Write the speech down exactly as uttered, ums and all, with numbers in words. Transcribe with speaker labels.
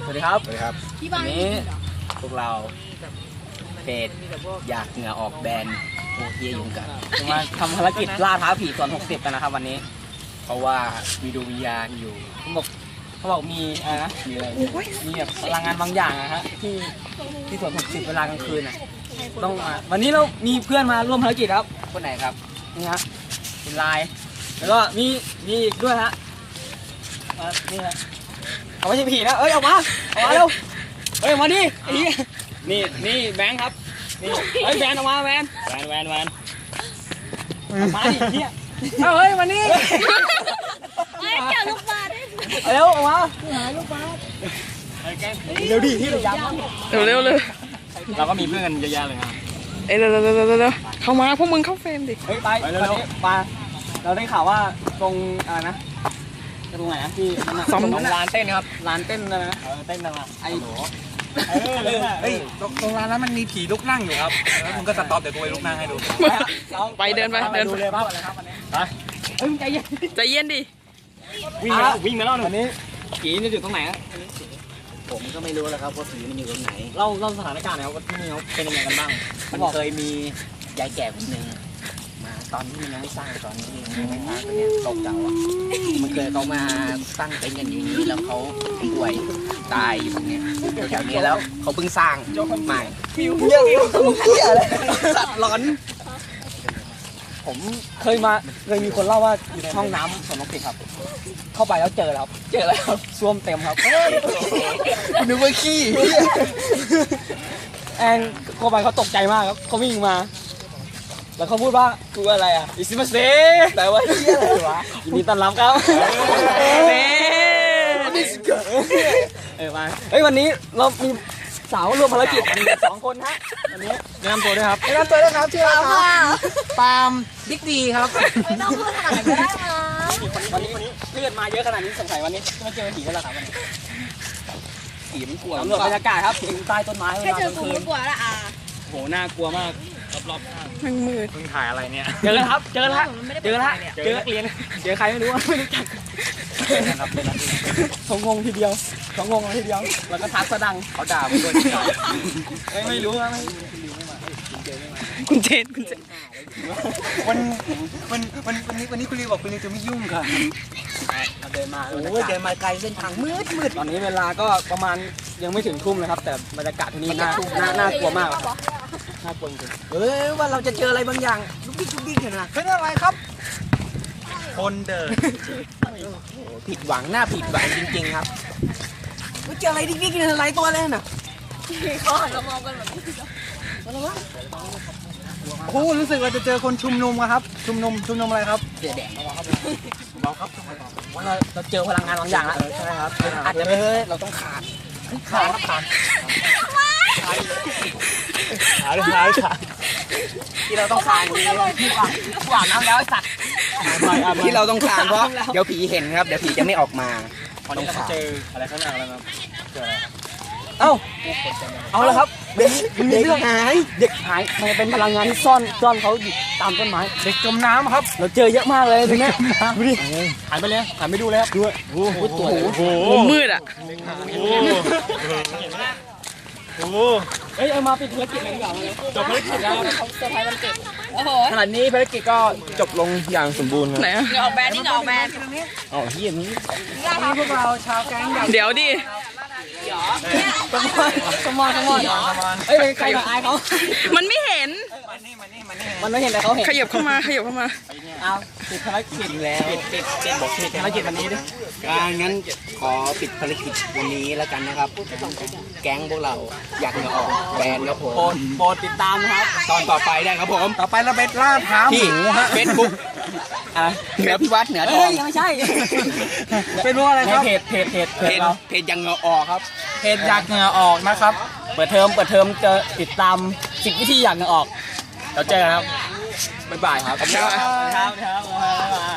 Speaker 1: สวัสดีครับ
Speaker 2: สวัสดีครับ
Speaker 1: วันนี้พวกเราเพจอยากเหงื่อออกแบนโอเฮียยุงกันมาทำภารกิจล่าท้าผีส่วนหกสิบกันนะครับวันนี้ เพราะว่ามีดวงวิญญาณอยู่เขาบอกเขาบอกมีอะไรนะมีอะไรมีแบบพลังงานบางอย่างนะฮะที่ที่ส่วนหกสิบเวลากลางคืนน่ะต้องมาวันนี้เรามีเพื่อนมาร่วมภารกิจครับคนไหนครับนี่ฮะเป็นลายแล้วก็มีมีอีกด้วยฮะอ่านี่ฮะเขาไม่ใช่ผีนะเอ้ยออกมาออกมาเร็วเฮ้ยมาดิไอ้เหี้ยนี่นี่แบงค์ครับนี่เฮ้ยแบนออกมาแบนแบนแบนแบนมาดิเหี้ยเอาเฮ้ยมานี่
Speaker 3: เฮ้ยเจอลูกบาส
Speaker 1: เร็วออกมาหาลูกบาสเร็วดิที่ระยำ
Speaker 4: เร็วเร็วเลย
Speaker 1: เราก็มีเพื่อนกันเยอะแยะเลยครับ
Speaker 4: เอ้ยเร็วเร็วเร็วเร็วเร็วเข้ามาพวกมึงเข้าเฟรมดิ
Speaker 1: เฮ้ยไปไปเร็วไปเราได้ข่าวว่าตรงอะไรนะตรงไหนนะที่ตรงร้านเต้นครับร้านเต้นนะเออเต้นนะไอ้เออเฮ้ย
Speaker 2: ตรงร้านนั้นมันมีผีลุกนั่งอยู่ครับแล้วมึงก็สต็อปเดี๋ยวกูไปลุกนั่งให้ดู
Speaker 4: ไปเดินไปเดิน
Speaker 1: ดู
Speaker 4: ไป
Speaker 1: เลยว่าอะไรครับวันนี้ไปเฮ้ยใจเย็น
Speaker 4: ใจเย็นดิ
Speaker 1: วิ่งมาวิ่งมาเล่าหน่อยวันนี้ผีนี่อยู่ตรงไหน
Speaker 5: ผมก็ไม่รู้แล้วครับว่าผีมันอยู่ตรงไหน
Speaker 1: เล่าเล่าสถานการณ์หน่อยว่าที่นี่เขาเป็นยังไงกันบ้าง
Speaker 5: มันเคยมียายแก่คนหนึ่งมาตอนที่มันยังไม่สร้างตอนนี้ยังไม่สร้างเนี่ยตกเก่าอ่ะมันเคยเขามาตั้งเต็นท์กันอยู่นี้แล้วเขาป่วยตายอยู่ตรงเนี้ยแถวนี้แล้วเขาเพิ่งสร้างใหม่
Speaker 1: ฟิวเยอะฟิวเหี้ยอะไรสัตว์ร้อนผมเคยมาเคยมีคนเล่าว่าอยู่ในห้องน้ำสวนนกพิราบครับ เข้าไปแล้วเจอแล้วครับเจอแล้วครับซ่วมเต็มครับนึกว่าขี้แองเข้าไปเขาตกใจมากครับเขาวิ่งมา แล้วเขาพูดว่ากูอะไรอ่ะอิซิมาเซ่แต่ว่าเฮียอะไรวะยินดีต้อนรับครับเน่เออมาเฮ้ยวันนี้เรามีสาวร่วมภารกิจกันสองคนฮะวันนี้แนะนำตัวด้วยครับแนะนำตัวด้วยครับชื่ออะไรครับปาล์มบิ๊กดีครับ
Speaker 3: ไม่ต้องพูดขนาดนั้นก็ได้นะ
Speaker 1: วันนี้วันนี้เลือดมาเยอะขนาดนี้สงสัยวันนี้จะมาเจอผีกันแล้วครับวันนี้
Speaker 5: ผีมันกลัว
Speaker 1: สำรวจบรรยากาศครับถึงใต้ต้นไม้เว
Speaker 3: แค่
Speaker 1: ลา
Speaker 3: เจ
Speaker 1: ก
Speaker 3: อ
Speaker 1: ลาง
Speaker 3: กู
Speaker 1: คื
Speaker 3: ก็
Speaker 1: น
Speaker 3: กลัวละอ่ะ
Speaker 1: โหน่ากลัวมากรอบ
Speaker 4: มันมืด
Speaker 2: เพิ่งถ่ายอะไรเนี่ย
Speaker 1: ๆเจอแล้วครับ เจอแล้วเจอแล้วเจอนักเรียนเจอใครไม่รู้ไม่รู้จักสองงงทีเดียวสองงงทีเดียวแล้วก็ทักสะดัง
Speaker 5: เขาด่าผมด้วย
Speaker 1: ไม่ไม่รู้นะไม่
Speaker 4: คุณเจนคุณเจน
Speaker 2: วันวันวันวันนี้วันนี้คุณลีบอกคุณลีจะไม่ยุ่งค่ะ
Speaker 1: เดินมา
Speaker 5: โอ้ยเดินมาไกลเส้นทางมืดมืด
Speaker 1: ตอนนี้เวลาก็ประมาณยังไม่ถึงทุ่มเลยครับ แต่บรรยากาศที่นี่น่าน่าน่ากลัวมากครับน่ากลัวจริง
Speaker 5: เฮ้ยว่าเราจะเจออะไรบางอย่างลุกดิ๊กลุกดิ๊กเห็นไหม
Speaker 2: เป็นอะไรครับ คนเดิน
Speaker 5: ผิดหวังหน้าผิดหวังจริงๆครับว่าเจออะไรดิ๊กดิ๊กเนี่ยอะไรตัวอะไรน่ะ
Speaker 3: เขาหันมามองกันแบบนี้
Speaker 2: โอ้รู้สึกว่าจะเจอคนชุมนุมอะครับ ชุมนุมชุมนุมอะไรครับ
Speaker 5: เสียแดด
Speaker 1: ๆว่าเราเราเจอพลังงานบางอย่างแล้วใช่ไหมครับ
Speaker 5: อาจจะไม่เฮ้ยเราต้องขาด
Speaker 1: ขาดขาด
Speaker 2: ขาเลยขาขา
Speaker 1: ที่เราต้องขาดคือที่อาบที่อาบน้ำแล้วไอ้สัตว์
Speaker 5: ที่เราต้องขาดเพราะเดี๋ยวผีเห็นครับเดี๋ยวผีจะไม่ออกมา
Speaker 1: ตอนนี้เราเจออะไรข้างหน้าแล้วครับเจออะไรเอ้าเอาละครับ
Speaker 5: เด็กเด็กหาย
Speaker 1: เด็กหายมันเป็นพลังงานที่ซ่อนซ่อนเขาอยู่ตามต้นไม้
Speaker 2: เด็กจมน้ำครับ
Speaker 1: เราเจอเยอะมากเลยตรงนี้ดูดิหันไปเลยหันไปดูเลยครับดูโอ้โหตัว
Speaker 2: โอ้โห
Speaker 4: มุมมืดอ่ะ
Speaker 2: โอ้โห
Speaker 1: เฮ้ยเอามาปิดภารกิจเลยดีกว่าเลยจบภารกิจแล้ว
Speaker 3: เขาเซอร์ไพรส์วันเกิดโอ้โห
Speaker 1: ขณะนี้ภารกิจก็จบลงอย่างสมบูรณ์ครับ
Speaker 4: ไหนอ่ะ
Speaker 3: เหงื่อออกแบนนี่เหงื่อออกแบน
Speaker 1: อ๋อเฮียนี้
Speaker 2: พวกเราชาวแก๊งอยาก
Speaker 4: เดี๋ยวดิ
Speaker 1: สมอนสมอนสมอนเฮ้ยใครมาอายเขา
Speaker 4: มันไม่เห็น
Speaker 2: มันนี่มันนี่มันนี่
Speaker 1: มันไม่เห็นแต่เขาเห็น
Speaker 4: ขยับเข้ามาขยับเข้ามา
Speaker 1: เอาปิดภารกิจแล้วปิดปิดปิดบอกปิดภารกิจวันนี้ดิ
Speaker 5: การงั้นขอปิดภารกิจวันนี้แล้วกันนะครับ แก๊งพวกเราอยากเหงื่อออกแบนครับผ
Speaker 1: โปร
Speaker 5: ม
Speaker 1: ดโปรดติดตามนะครับ
Speaker 5: ตอนต่อไปได้ครับผม
Speaker 2: ต่อไปเราไปล่าท้าห
Speaker 5: ที่
Speaker 2: มูฮะ
Speaker 5: เฟซบุ๊ก
Speaker 1: อะไร
Speaker 5: เหนือพิวัตรเหนือทอ
Speaker 1: เฮ้ย
Speaker 5: ง
Speaker 1: ยังไม่ใช่
Speaker 2: เป็นว่าอะไร
Speaker 1: ใน
Speaker 2: ครับ
Speaker 1: เพจเพจเพจเพ
Speaker 5: เพ
Speaker 1: จ
Speaker 5: จ
Speaker 1: เรา
Speaker 5: เพจยังเหงื่อออกครับ
Speaker 2: เพจอยากเหงื่อออกนะครับ
Speaker 1: เปิดเทอมเปิดเทอมจะติดตามสิบวิธีอยากเหงื่อออกเราเจอกันครับบ๊ายบายครับ
Speaker 5: ครับ
Speaker 1: ครับครับ